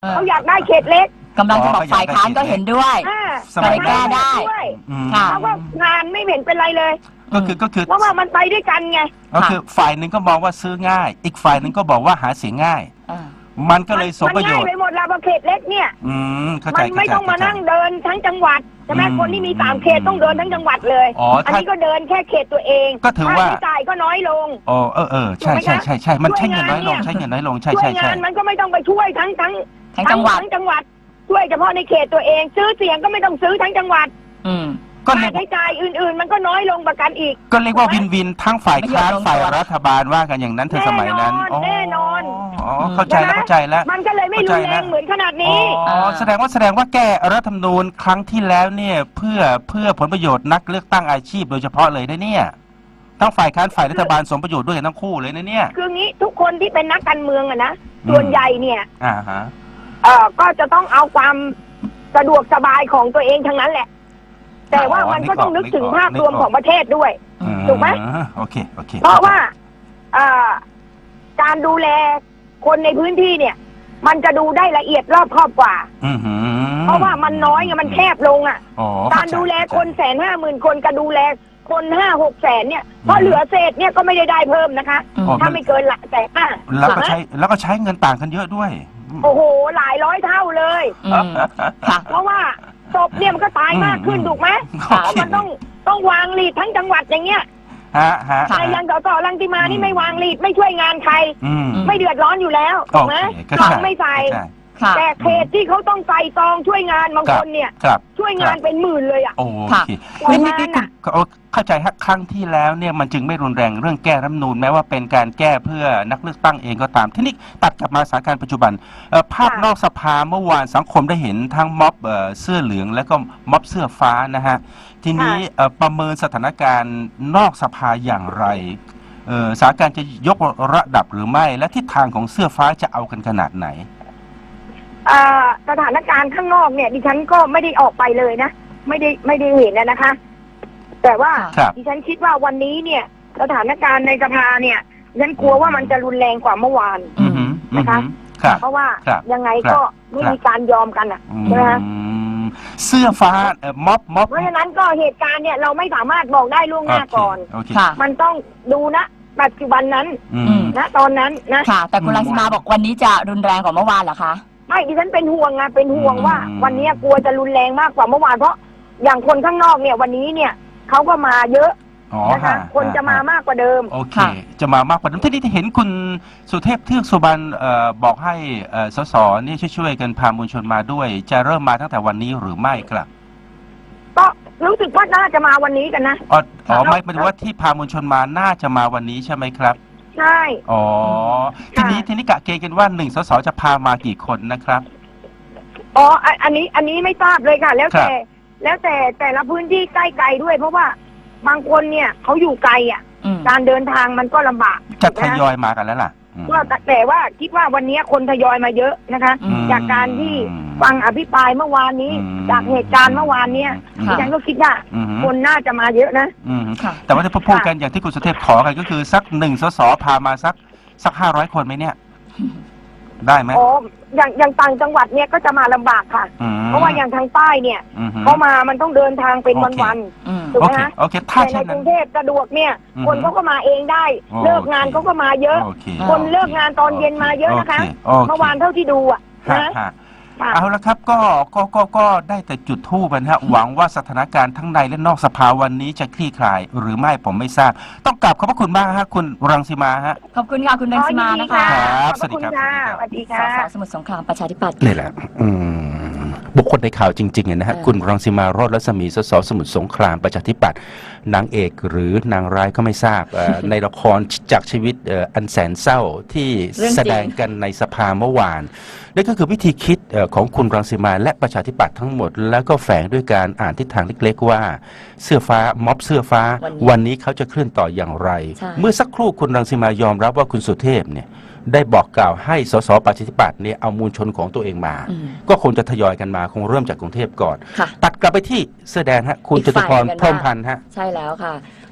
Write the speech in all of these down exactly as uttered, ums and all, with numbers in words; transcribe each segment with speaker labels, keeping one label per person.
Speaker 1: เขาอยากได้เขตเล็ก
Speaker 2: กำลังจะบอกฝ่ายค้านก็เห็นด้วยก็เลยแก้ได้
Speaker 1: เขาก็งานไม่เห็นเป็นไรเลย
Speaker 3: ก็คือก็คือ
Speaker 1: เพราะว่ามันไปด้วยกันไง
Speaker 3: ก็คือฝ่ายหนึ่งก็มองว่าซื้อง่ายอีกฝ่ายหนึ่งก็บอกว่าหาเสียงง่ายมันก็เลยสมประโยชน์
Speaker 1: มันง่ายไปหมดแล้วเขตเล็กเนี่ยมันไม่ต้องมานั่งเดินทั้งจังหวัดใช่ไหมคนที่มีสามเขตต้องเดินทั้งจังหวัดเลยอันนี้ก็เดินแค่เขตตัวเอง
Speaker 3: ก็ถือว่า
Speaker 1: ค่าใช้จ่ายก็น้อยลง
Speaker 3: อ๋อเออเออใช่ใช่ใช่ใช่มันใช้เงินน้อยลงใช้เงินน้อยลงใช่ใช่ใช่
Speaker 1: งานมันก็ไม่ต้องไปช่วยทั้งทั้ง
Speaker 2: ทั้งจังหวัด
Speaker 1: ทั้งจังหวัดช่วยเฉพาะในเขตตัวเองซื้อเสียงก็ไม่ต้องซื้อทั้งจังหวัด
Speaker 2: อืม
Speaker 3: ก็
Speaker 1: ค่าใช้จ่ายอื่นๆมันก็น้อยลงประกันอีก
Speaker 3: ก็เรียกว่าวินวินทั้งฝ่ายค้านฝ่ายรัฐบาลว่ากันอย่างนั้นเธอสมัยนั้น
Speaker 1: แน่นอน
Speaker 3: อ๋อเข้าใจแล้วเข้าใจแล้ว
Speaker 1: มันก็เลยไม่รุนแรงเหมือนขนาดนี้
Speaker 3: อ๋อแสดงว่าแสดงว่าแก้รัฐธรรมนูญครั้งที่แล้วเนี่ยเพื่อเพื่อผลประโยชน์นักเลือกตั้งอาชีพโดยเฉพาะเลยนะเนี่ยทั้งฝ่ายค้านฝ่ายรัฐบาลสมประโยชน์ด้วยกันทั้งคู่เลยนะเนี่ย
Speaker 1: คืองี้ทุกคนที่เป็นนักการเมืองอะนะส่วนใหญ่เนี่ย
Speaker 3: อ่าฮะ
Speaker 1: เอ่อก็จะต้องเอาความสะดวกสบายของตัวเองทั้งนั้นแหละแต่ว่ามันก็ต้องนึกถึงภาพรวมของประเทศด้วยถูกไหม
Speaker 3: โอเคโอเค
Speaker 1: เพราะว่าการดูแลคนในพื้นที่เนี่ยมันจะดูได้ละเอียดรอบครอบกว่าเพราะว่ามันน้อยไงมันแคบลงอ่ะการดูแลคนแสนห้าหมื่นคนกับดูแลคนห้าหกแสนเนี่ยเพราะเหลือเศษเนี่ยก็ไม่ได้ได้เพิ่มนะคะถ้าไม่เกินละแสนห้า
Speaker 3: แล้วก็ใช้แล้วก็ใช้เงินต่างกันเยอะด้วย
Speaker 1: โอ้โหหลายร้อยเท่าเลยเพราะว่าศพเนี่ยมันก็ตายมากขึ้นถูกไหมมันต้องต้องวางลีดทั้งจังหวัดอย่างเงี้ยแต่ยังต่อต่อรังสิมานี่ไม่วางลีดไม่ช่วยงานใครไม่เดือดร้อนอยู่แล้วถูกไหมถังไม่ใส่แต่เขตที่เขาต้องใส่ซองช่วยงานบางคนเนี่ยช่วยงานเป็นหมื่นเลยอ่ะ
Speaker 3: โอเคนี่นี่นี่เข้าใจฮะครั้งที่แล้วเนี่ยมันจึงไม่รุนแรงเรื่องแก้รัฐธรรมนูญแม้ว่าเป็นการแก้เพื่อนักเลือกตั้งเองก็ตามที่นี่ตัดกลับมาสถานการณ์ปัจจุบันภาพนอกสภาเมื่อวานสังคมได้เห็นทั้งม็อบเสื้อเหลืองและก็ม็อบเสื้อฟ้านะฮะทีนี้ประเมินสถานการณ์นอกสภาอย่างไรสถานการณ์จะยกระดับหรือไม่และทิศทางของเสื้อฟ้าจะเอากันขนาดไหน
Speaker 1: สถานการณ์ข้างนอกเนี่ยดิฉันก็ไม่ได้ออกไปเลยนะไม่ได้ไม่ได้เห็นนะคะแต่ว่าดิฉันคิดว่าวันนี้เนี่ยสถานการณ์ในสภาเนี่ยดิฉันกลัวว่ามันจะรุนแรงกว่าเมื่อวานนะคะเพราะว่ายังไงก็ไม่มีการยอมกันอ่ะนะคะ
Speaker 3: เสื้อฟ้าม็อบม็อบ
Speaker 1: เพราะฉะนั้นก็เหตุการณ์เนี่ยเราไม่สามารถบอกได้ล่วงหน้าก่อนมันต้องดูนะปัจจุบันนั้นนะตอนนั้นนะ
Speaker 2: ค่ะแต่คุณรังสิมาบอกวันนี้จะรุนแรงกว่าเมื่อวานเหรอคะ
Speaker 1: ไม่ดิฉันเป็นห่วงไงเป็นห่วงว่าวันนี้กลัวจะรุนแรงมากกว่าเมื่อวานเพราะอย่างคนข้างนอกเนี่ยวันนี้เนี่ยเขาก็มาเยอะนะคะคนจะมามากกว่าเดิม
Speaker 3: โอเคจะมามากกว่าเดิมที่นี่เห็นคุณสุเทพเทือกสุบรรณบอกให้สสนี่ช่วยๆกันพามวลชนมาด้วยจะเริ่มมาตั้งแต่วันนี้หรือไม่ครับ
Speaker 1: ก็รู้สึกว่าน่าจะมาวันนี้กันนะ
Speaker 3: อ๋อไม่หมายถึงว่าที่พามวลชนมาน่าจะมาวันนี้ใช่ไหมครับ
Speaker 1: ใช่
Speaker 3: อ๋อทีนี้ทีนี้กะเกณฑ์กันว่าหนึ่งสสจะพามากี่คนนะครับ
Speaker 1: อ๋ออันนี้อันนี้ไม่ทราบเลยค่ะแล้วแต่แล้วแต่แต่ละพื้นที่ใกล้ไกลด้วยเพราะว่าบางคนเนี่ยเขาอยู่ไกลอ่ะการเดินทางมันก็ลำบาก
Speaker 3: จะทยอยมากันแล้วล่ะ
Speaker 1: ก็แต่ว่าคิดว่าวันนี้คนทยอยมาเยอะนะคะจากการที่ฟังอภิปรายเมื่อวานนี้จากเหตุการณ์เมื่อวานเนี้ยดิฉันก็คิดว่าคนน่าจะมาเยอะนะ
Speaker 3: แต่ว่าที่พูดกันอย่างที่คุณสุเทพขอกันก็คือสักหนึ่งสสพามาสักสักห้าร้อยคนไหมเนี่ยได้ไหม
Speaker 1: อ๋ออย่างอย่างต่างจังหวัดเนี่ยก็จะมาลำบากค่ะเพราะว่าอย่างทางใต้เนี่ยเขามามันต้องเดินทางเป็นวันๆถูกไหมคะแต่ในกรุงเทพสะดวกเนี่ยคนเขาก็มาเองได้เลิกงานเขาก็มาเยอะคนเลิกงานตอนเย็นมาเยอะนะคะเมื่อวานเท่าที่ดูอ่ะนะ
Speaker 3: เอาละครับก็ก็ก็ก็ได้แต่จุดทูบนะฮะหวังว่าสถานการณ์ทั้งในและนอกสภาวันนี้จะคลี่คลายหรือไม่ผมไม่ทราบต้องกราบขอบพระคุณมากฮะคุณรังสิมาฮะ
Speaker 2: ขอบคุณค่ะคุณรังสิมานะคะ
Speaker 3: ครับสวัสดีครับ
Speaker 1: สวัสดีค่ะ
Speaker 2: สสสมุทรสงครามประชาธิปัตย์
Speaker 3: นี่แหละบุคคลในข่าวจริงๆนะฮะคุณรังสิมาโรจน์รัศมีสสสมุทรสงครามประชาธิปัตย์นางเอกหรือนางร้ายก็ไม่ทราบในละครจากชีวิตอันแสนเศร้าที่แสดงกันในสภาเมื่อวานนั่นก็คือวิธีคิดของคุณรังสิมาและประชาธิปัตย์ทั้งหมดแล้วก็แฝงด้วยการอ่านทิศทางเล็กๆว่าเสื้อฟ้าม็อบเสื้อฟ้าวันนี้เขาจะเคลื่อนต่ออย่างไรเมื่อสักครู่คุณรังสิมายอมรับว่าคุณสุเทพเนี่ยได้บอกกล่าวให้สสประชาธิปัตย์เนี่ยเอามูลชนของตัวเองมาก็คงจะทยอยกันมาคงเริ่มจากกรุงเทพก่อนตัดกลับไปที่เสื้อแดงฮะคุณจตุพรพรหมพันธ์ฮะ
Speaker 2: ใช่แล้วค่ะ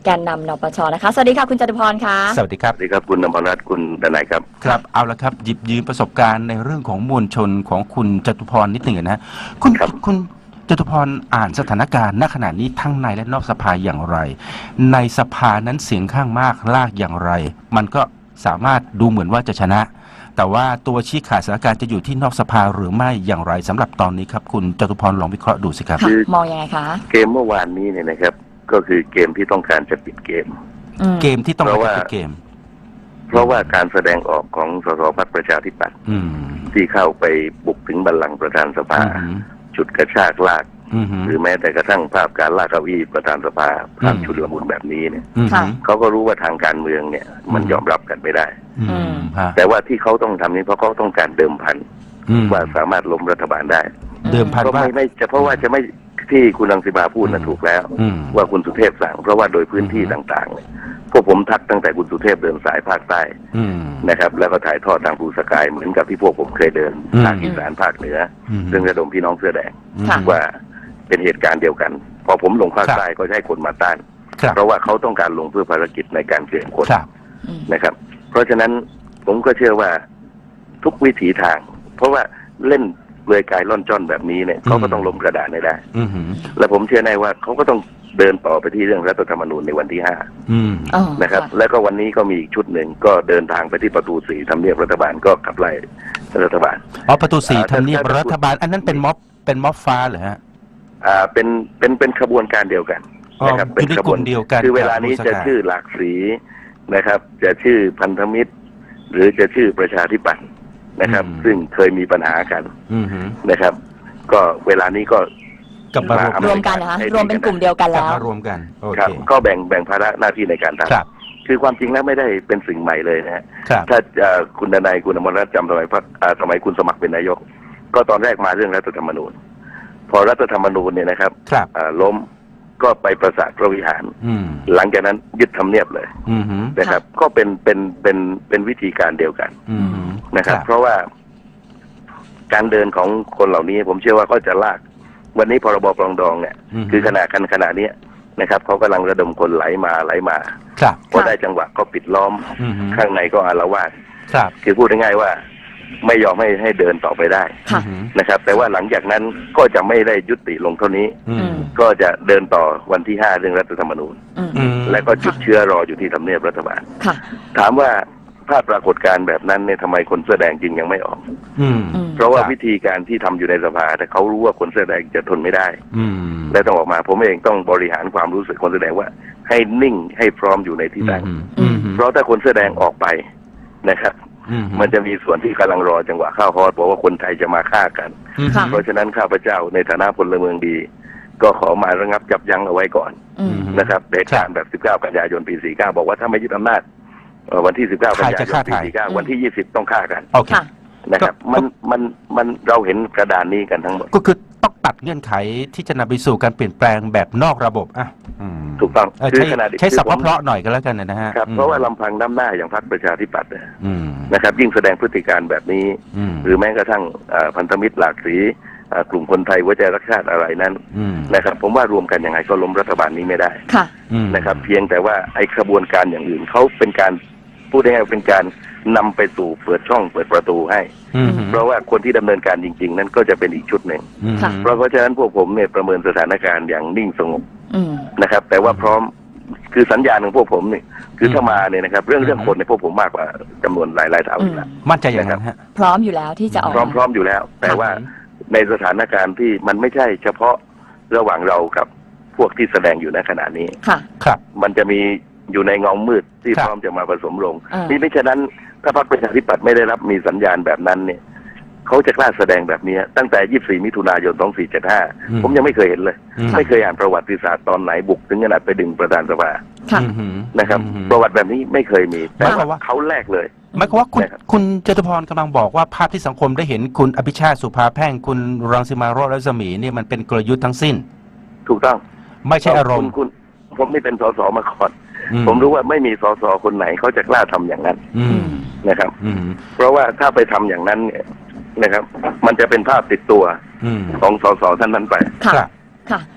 Speaker 2: แกนนำนปชนะคะสวัสดีค่ะคุณจตุพรค่ะ
Speaker 3: สวัสดีครับ
Speaker 4: สวัสดีครับคุณนพรัตน์คุณดนัยครับ
Speaker 3: ครับเอาละครับหยิบยืมประสบการณ์ในเรื่องของมวลชนของคุณจตุพรนิดหนึ่งนะคุณคุณจตุพรอ่านสถานการณ์ณขณะนี้ทั้งในและนอกสภาอย่างไรในสภานั้นเสียงข้างมากลากอย่างไรมันก็สามารถดูเหมือนว่าจะชนะแต่ว่าตัวชี้ขาดสถานการณ์จะอยู่ที่นอกสภาหรือไม่อย่างไรสำหรับตอนนี้ครับคุณจตุพรลองวิเคราะห์ดูสิครับ
Speaker 2: มองยังไงคะ
Speaker 4: เกมเมื่อวานนี้เนี่ยนะครับก็คือเกมที่ต้องการจะปิดเกม
Speaker 3: เกมที่ต้องการจะปิดเกม
Speaker 4: เพราะว่าการแสดงออกของสสพรรคประชาธิปัตย์ที่เข้าไปบุกถึงบัลลังก์ประธานสภาจุดกระชากลากหรือแม้แต่กระทั่งภาพการลากเก้าอี้ประธานสภาภาพชุดละมุนแบบนี้เนี่ยเขาก็รู้ว่าทางการเมืองเนี่ยมันยอมรับกันไม่ได้แต่ว่าที่เขาต้องทำนี้เพราะเขาต้องการเดิมพันว่าสามารถล้มรัฐบาลได้
Speaker 3: เดิมพันว่า
Speaker 4: ไม่ไม่จะเพราะว่าจะไม่ที่คุณรังสิมาพูดนะถูกแล้วว่าคุณสุเทพสั่งเพราะว่าโดยพื้นที่ต่างๆเนี่ยพวกผมทักตั้งแต่คุณสุเทพเดินสายภาคใต้นะครับแล้วก็ถ่ายทอดทางภูสกายเหมือนกับที่พวกผมเคยเดินภาคอีสานภาคเหนือซึ่งระดมพี่น้องเสื้อแดงว่าเป็นเหตุการณ์เดียวกันพอผมลงภาคใต้ก็ใช้คนมาต้านเพราะว่าเขาต้องการลงเพื่อภารกิจในการเกลี่ยคนนะครับเพราะฉะนั้นผมก็เชื่อว่าทุกวิถีทางเพราะว่าเล่นเลื่อยกายล่อนจ้อนแบบนี้เนี่ยเขาก็ต้องล้มกระดานให้ได้และผมเชื่อแน่ว่าเขาก็ต้องเดินต่อไปที่เรื่องรัฐธรรมนูญในวันที่ห้านะครับแล้วก็วันนี้ก็มีอีกชุดหนึ่งก็เดินทางไปที่ประตูสี่ทำเนียบรัฐบาลก็ขับไล่รัฐบาล
Speaker 3: อ๋อประตูสี่ทำเนียบรัฐบาลอันนั้นเป็นม็อบเป็นม็อบฟ้าเหรอฮะ
Speaker 4: อ่าเป็นเป็นเป็นขบวนการเดียวกันนะครับเป็นขบวน
Speaker 3: เดียวกัน
Speaker 4: คือเวลานี้จะชื่อหลากสีนะครับจะชื่อพันธมิตรหรือจะชื่อประชาธิปัตย์นะครับซึ่งเคยมีปัญหากันนะครับก็เวลานี้ก็
Speaker 3: กับม
Speaker 2: ารวมกันนะคะรวมเป็นกลุ่มเดียวกันแล้ว
Speaker 3: รวมกัน
Speaker 4: ครับก็แบ่งแบ่งภาระหน้าที่ในการทำคือความจริงแล้วไม่ได้เป็นสิ่งใหม่เลยนะฮะถ้าคุณดนัยคุณอมรรัตน์จำสมัยพักสมัยคุณสมัครเป็นนายกก็ตอนแรกมาเรื่องรัฐธรรมนูญพอรัฐธรรมนูญเนี่ยนะครับล้มก็ไปประสาทพระวิหารหลังจากนั้นยึดทำเนียบเลยนะครับก็เป็นเป็นเป็นเป็นวิธีการเดียวกันนะครับเพราะว่าการเดินของคนเหล่านี้ผมเชื่อว่าก็จะลากวันนี้พรบปรองดองเนี่ยคือขณะกันขณะนี้นะครับเขากำลังระดมคนไหลมาไหลมาพอได้จังหวะก็ปิดล้อมข้างในก็อาละวาดคือพูดง่ายๆว่าไม่ยอมให้ให้เดินต่อไปได้นะครับแต่ว่าหลังจากนั้นก็จะไม่ได้ยุติลงเท่านี้ก็จะเดินต่อวันที่ห้าเรื่องรัฐธรรมนูญและก็จุดเชื้อรออยู่ที่ทำเนียบรัฐบาลถามว่าภาพปรากฏการณ์แบบนั้นเนี่ยทำไมคนเสื้อแดงจริงยังไม่ออกเพราะว่าวิธีการที่ทำอยู่ในสภาแต่เขารู้ว่าคนเสื้อแดงจะทนไม่ได้และต้องออกมาผมเองต้องบริหารความรู้สึกคนเสื้อแดงว่าให้นิ่งให้พร้อมอยู่ในที่ตั้งเพราะถ้าคนเสื้อแดงออกไปนะครับมันจะมีส่วนที่กำลังรอจังหวะเข้าฮอตบอกว่าคนไทยจะมาฆ่ากันเพราะฉะนั้นข้าพเจ้าในฐานะพลเมืองดีก็ขอมาระงับยับยั้งเอาไว้ก่อนนะครับเหตุการณ์แบบสิบเก้ากันยายนปีสี่สิบเก้าบอกว่าถ้าไม่ยึดอำนาจวันที่สิบเก้ากันยายนปีสี่สิบเก้าวันที่ยี่สิบต้องฆ่ากันนะครับมันมันมันเราเห็นกระดานนี้กันทั้งหมด
Speaker 3: ก็คือต้องตัดเงื่อนไขที่จะนำไปสู่การเปลี่ยนแปลงแบบนอกระบบอ่ะ
Speaker 4: ถูกต้อง
Speaker 3: ใช้ใช้ศัพท์เพราะๆหน่อยก็แล้วกันนะฮะ
Speaker 4: ครับเพราะว่าลำพังน้ำหน้าอย่างพรรคประชาธิปัตย์นะครับยิ่งแสดงพฤติการแบบนี้หรือแม้กระทั่งพันธมิตรหลากสีกลุ่มคนไทยหัวใจรักชาติอะไรนั้นนะครับผมว่ารวมกันยังไงก็ล้มรัฐบาลนี้ไม่ได้นะครับเพียงแต่ว่าไอ้ขบวนการอย่างอื่นเขาเป็นการพูดง่ายๆเป็นการนำไปสู่เปิดช่องเปิดประตูให้เพราะว่าคนที่ดำเนินการจริงๆนั้นก็จะเป็นอีกชุดหนึ่งเพราะเพราะฉะนั้นพวกผมเนี่ยประเมินสถานการณ์อย่างนิ่งสงบนะครับแต่ว่าพร้อมคือสัญญาณของพวกผมเนี่ยคือถ้ามาเนี่ยนะครับเรื่องเรื่องคนในพวกผมมากกว่าจำนวนหลายๆเท่าอยู่แล้ว
Speaker 3: มั่นใจอย่างนั้นฮะ
Speaker 2: พร้อมอยู่แล้วที่จะออก
Speaker 4: พร้อมพร้อมอยู่แล้วแต่ว่าในสถานการณ์ที่มันไม่ใช่เฉพาะระหว่างเรากับพวกที่แสดงอยู่ในขณะนี้
Speaker 3: ครับ
Speaker 4: มันจะมีอยู่ในเงามืดที่พร้อมจะมาผสมลงนี่ไม่ฉะนั้นถ้าพรรคประชาธิปัตย์ไม่ได้รับมีสัญญาณแบบนั้นเนี่ยเขาจะกล้าแสดงแบบนี้ตั้งแต่ยี่สิบสี่มิถุนายนสองสี่เจ็ดห้าผมยังไม่เคยเห็นเลยไม่เคยอ่านประวัติศาสตร์ตอนไหนบุกถึงขนาดไปดึงประธานสภานะครับประวัติแบบนี้ไม่เคยมีแต่ว่าเขาแรกเลย
Speaker 3: หมายความว่าคุณคุณจตุพรกำลังบอกว่าภาพที่สังคมได้เห็นคุณอภิชาติสุภาแพ่งคุณรังสิมาโรจน์รัศมีเนี่ยมันเป็นกลยุทธ์ทั้งสิ้น
Speaker 4: ถูกต้อง
Speaker 3: ไม่ใช่อารมณ์
Speaker 4: คุณผมไม่เป็นสสมาก่อนผมรู้ว่าไม่มีสสคนไหนเขาจะกล้าทำอย่างนั้นนะครับเพราะว่าถ้าไปทำอย่างนั้นเนี่ยนะครับมันจะเป็นภาพติดตัวของสสท่านนั้นไป
Speaker 2: ค่ะค่ะ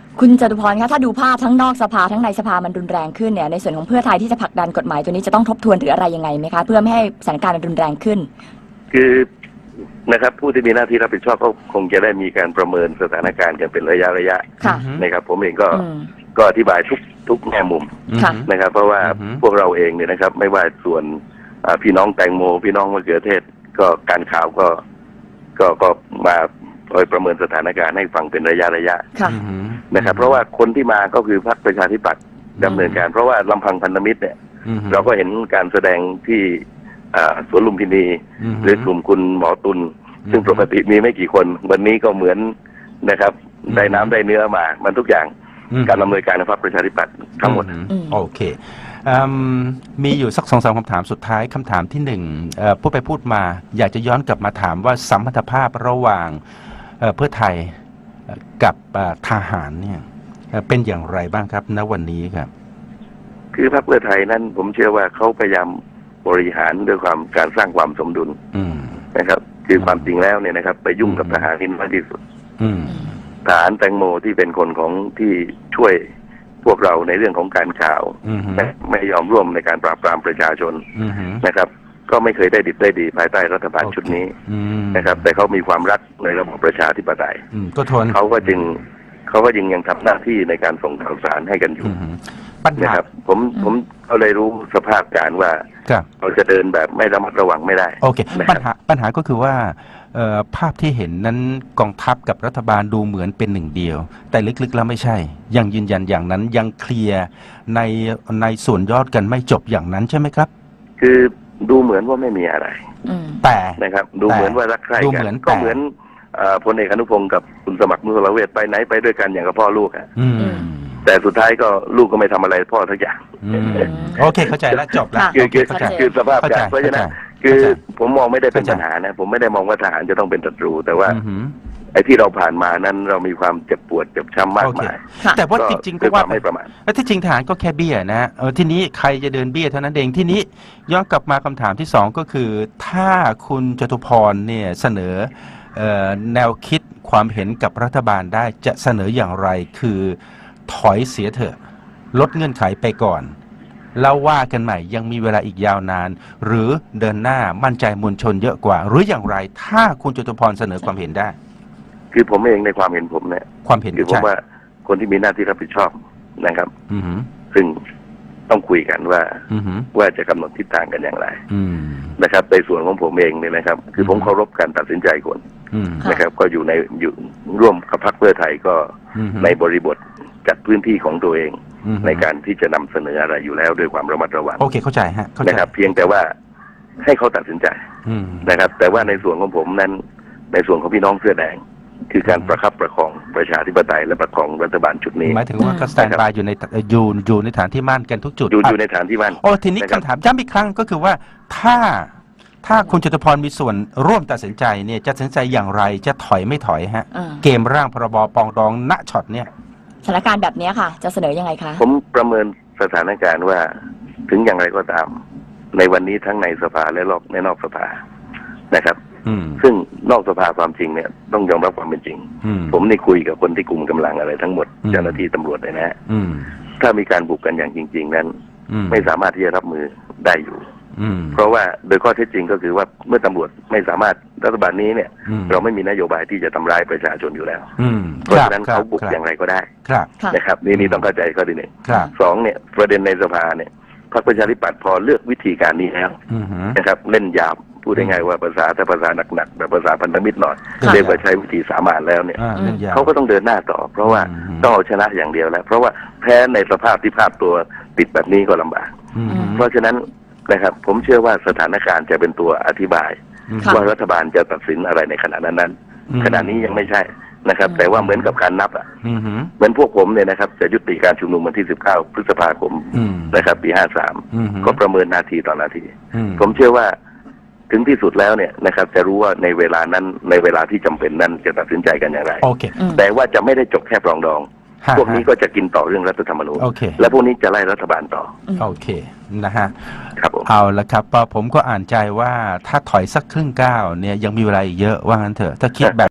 Speaker 2: คุณจตุพรคะถ้าดูภาพทั้งนอกสภาทั้งในสภามันรุนแรงขึ้นเนี่ยในส่วนของเพื่อไทยที่จะผลักดันกฎหมายตัวนี้จะต้องทบทวนหรืออะไรยังไงไหมคะเพื่อไม่ให้สถานการณ์มันรุนแรงขึ้น
Speaker 4: คือนะครับผู้ที่มีหน้าที่รับผิดชอบก็คงจะได้มีการประเมินสถานการณ์กันเป็นระยะระยะนะครับผมเองก็ก็อธิบายทุกทุกแง่มุมนะครับเพราะว่าพวกเราเองเนี่ยนะครับไม่ว่าส่วนพี่น้องแตงโมพี่น้องมะเขือเทศก็การข่าวก็ก็ก็มาคอยประเมินสถานการณ์ให้ฟังเป็นระยะระยะนะครับเพราะว่าคนที่มาก็คือพรรคประชาธิปัตย์ดำเนินการเพราะว่าลำพังพันธมิตรเนี่ยเราก็เห็นการแสดงที่สวนลุมพินีหรือกลุ่มคุณหมอตุลซึ่งปกติมีไม่กี่คนวันนี้ก็เหมือนนะครับได้น้ำได้เนื้อมามันทุกอย่างการดำเนินการในพรรคประชาธิปัตย์ทั้งหมด
Speaker 3: โอเคมีอยู่สักสองสามคำถามสุดท้ายคำถามที่หนึ่งพูดไปพูดมาอยากจะย้อนกลับมาถามว่าสัมพันธภาพระหว่างเพื่อไทยกับทหารเนี่ยเป็นอย่างไรบ้างครับณวันนี้ครับ
Speaker 4: คือพรรคเพื่อไทยนั้นผมเชื่อว่าเขาพยายามบริหารด้วยความการสร้างความสมดุลนะครับคือความจริงแล้วเนี่ยนะครับไปยุ่งกับทหารที่น้อยที่สุดทหารแตงโมที่เป็นคนของที่ช่วยพวกเราในเรื่องของการข่าวไม่ยอมร่วมในการปราบปรามประชาชนนะครับก็ไม่เคยได้ดิบได้ดีภายใต้รัฐบาลชุดนี้นะครับแต่เขามีความรักในระบบประชาธิปไตย
Speaker 3: ก็ทน
Speaker 4: เขาก็จึงเขาก็ยังยังทำหน้าที่ในการส่งข่าวสารให้กันอยู่นะครับผมผมเขาเลยรู้สภาพการว่าเราจะเดินแบบไม่ระมัดระวังไม่ได้
Speaker 3: โอเคปัญหาปัญหาก็คือว่าภาพที่เห็นนั้นกองทัพกับรัฐบาลดูเหมือนเป็นหนึ่งเดียวแต่ลึกๆแล้วไม่ใช่ยังยืนยันอย่างนั้นยังเคลียร์ในในส่วนยอดกันไม่จบอย่างนั้นใช่ไหมครับ
Speaker 4: คือดูเหมือนว่าไม่มีอะไร
Speaker 3: แต่
Speaker 4: นะครับดูเหมือนว่ารักใคร่กันก็เหมือนพลเอกอนุพงศ์กับคุณสมัครมุสลาเวชไปไหนไปด้วยกันอย่างกับพ่อลูกอ่ะแต่สุดท้ายก็ลูกก็ไม่ทำอะไรพ่อทุกอย่าง
Speaker 3: โอเคเข้าใจแล้วจบแล้ว
Speaker 4: คือคือคือสภาพการเพราะฉะนั้นคือผมมองไม่ได้เป็นปัญหานะผมไม่ได้มองว่าทหารจะต้องเป็นศัตรูแต่ว่าไอ้ที่เราผ่านมานั้นเรามีความเจ็บปวดเจ็บช้ำมากมาย
Speaker 3: แต่ว่าจริงๆก็ว่าไม่ประมาทและที่จริงทหารก็แค่เบี้ยนะเออทีนี้ใครจะเดินเบี้ยเท่านั้นเองที่นี้ย้อนกลับมาคำถามที่สองก็คือถ้าคุณจตุพรเนี่ยเสนอแนวคิดความเห็นกับรัฐบาลได้จะเสนออย่างไรคือถอยเสียเถอะลดเงื่อนไขไปก่อนแล้วว่ากันใหม่ยังมีเวลาอีกยาวนานหรือเดินหน้ามั่นใจมวลชนเยอะกว่าหรืออย่างไรถ้าคุณจตุพรเสนอความเห็นได้
Speaker 4: คือผมเองในความเห็นผมเนี่ย
Speaker 3: ความเห็น
Speaker 4: คือผมว่าคนที่มีหน้าที่รับผิดชอบนะครับซึ่งต้องคุยกันว่าว่าจะกำหนดทิศทางกันอย่างไรนะครับในส่วนของผมเองเนี่ยนะครับคือผมเคารพการตัดสินใจคนนะครับก็อยู่ในอยู่ร่วมกับพรรคเพื่อไทยก็ในบริบทจัดพื้นที่ของตัวเองในการที่จะนำเสนออะไรอยู่แล้วด้วยความระมัดระวัง
Speaker 3: โอเคเข้าใจฮะ
Speaker 4: นะครับเพียงแต่ว่าให้เขาตัดสินใจนะครับแต่ว่าในส่วนของผมนั้นในส่วนของพี่น้องเสื้อแดงคือการประคับประคองประชาธิปไตยและประคองรัฐบาลชุดนี้
Speaker 3: หมายถึงว่าก็สแตนบายอยู่ในอยู่อยู่ในฐานที่มั่นกันทุกจุด
Speaker 4: อยู่อยู่ในฐานที่มั่น
Speaker 3: โอ้ทีนี้คำถามย้ำอีกครั้งก็คือว่าถ้าถ้าคุณจตุพรมีส่วนร่วมตัดสินใจเนี่ยจะตัดสินใจอย่างไรจะถอยไม่ถอยฮะเกมร่างพรบปองดองณช็อตเนี่ย
Speaker 2: สถานการณ์แบบนี้ค่ะจะเสนอยังไงคะ
Speaker 4: ผมประเมินสถานการณ์ว่าถึงอย่างไรก็ตามในวันนี้ทั้งในสภาและรอบในนอกสภานะครับซึ่งนอกสภาความจริงเนี่ยต้องยอมรับความเป็นจริงผมได้คุยกับคนที่กลุ่มกำลังอะไรทั้งหมดเจ้าหน้าที่ตำรวจเลยนะถ้ามีการบุกกันอย่างจริงๆนั้นไม่สามารถที่จะรับมือได้อยู่เพราะว่าโดยข้อเท็จจริงก็คือว่าเมื่อตำรวจไม่สามารถรัฐบาลนี้เนี่ยเราไม่มีนโยบายที่จะทำร้ายประชาชนอยู่แล้วเพราะฉะนั้นเขาบุกอย่างไรก็ได้นะครับนี่นี่ต้องเข้าใจข้อที่หนึ่งสองเนี่ยประเด็นในสภาเนี่ยพรรคประชาธิปัตย์พอเลือกวิธีการนี้แล้วนะครับเล่นยาบพูดง่ายๆว่าภาษาถ้าภาษาหนักๆแบบภาษาพันธมิตรหน่อยเรียกว่าใช้วิธีสามานแล้วเนี่ยเขาก็ต้องเดินหน้าต่อเพราะว่าต้องเอาชนะอย่างเดียวแล้วเพราะว่าแพ้ในสภาพที่ภาพตัวติดแบบนี้ก็ลำบากเพราะฉะนั้นนะครับผมเชื่อว่าสถานการณ์จะเป็นตัวอธิบายว่ารัฐบาลจะตัดสินอะไรในขณะนั้นนั้นขณะนี้ยังไม่ใช่นะครับแต่ว่าเหมือนกับการนับอ่ะเหมือนพวกผมเนี่ยนะครับจะยุติการชุมนุมวันที่สิบเก้าพฤษภาคมนะครับปีห้าสามก็ประเมินนาทีต่อนาทีผมเชื่อว่าถึงที่สุดแล้วเนี่ยนะครับจะรู้ว่าในเวลานั้นในเวลาที่จำเป็นนั้นจะตัดสินใจกันอย่างไรแต่ว่าจะไม่ได้จบแค่ปรองดองพวกนี้ก็จะกินต่อเรื่องรัฐธรรมนูญและพวกนี้จะไล่รัฐบาลต่อ
Speaker 3: โอเคนะฮะ
Speaker 4: ครับผม
Speaker 3: เอาละครับผมก็อ่านใจว่าถ้าถอยสักครึ่งก้าวเนี่ยยังมีเวลาอีกเยอะว่างั้นเถอะถ้าคิดแบบ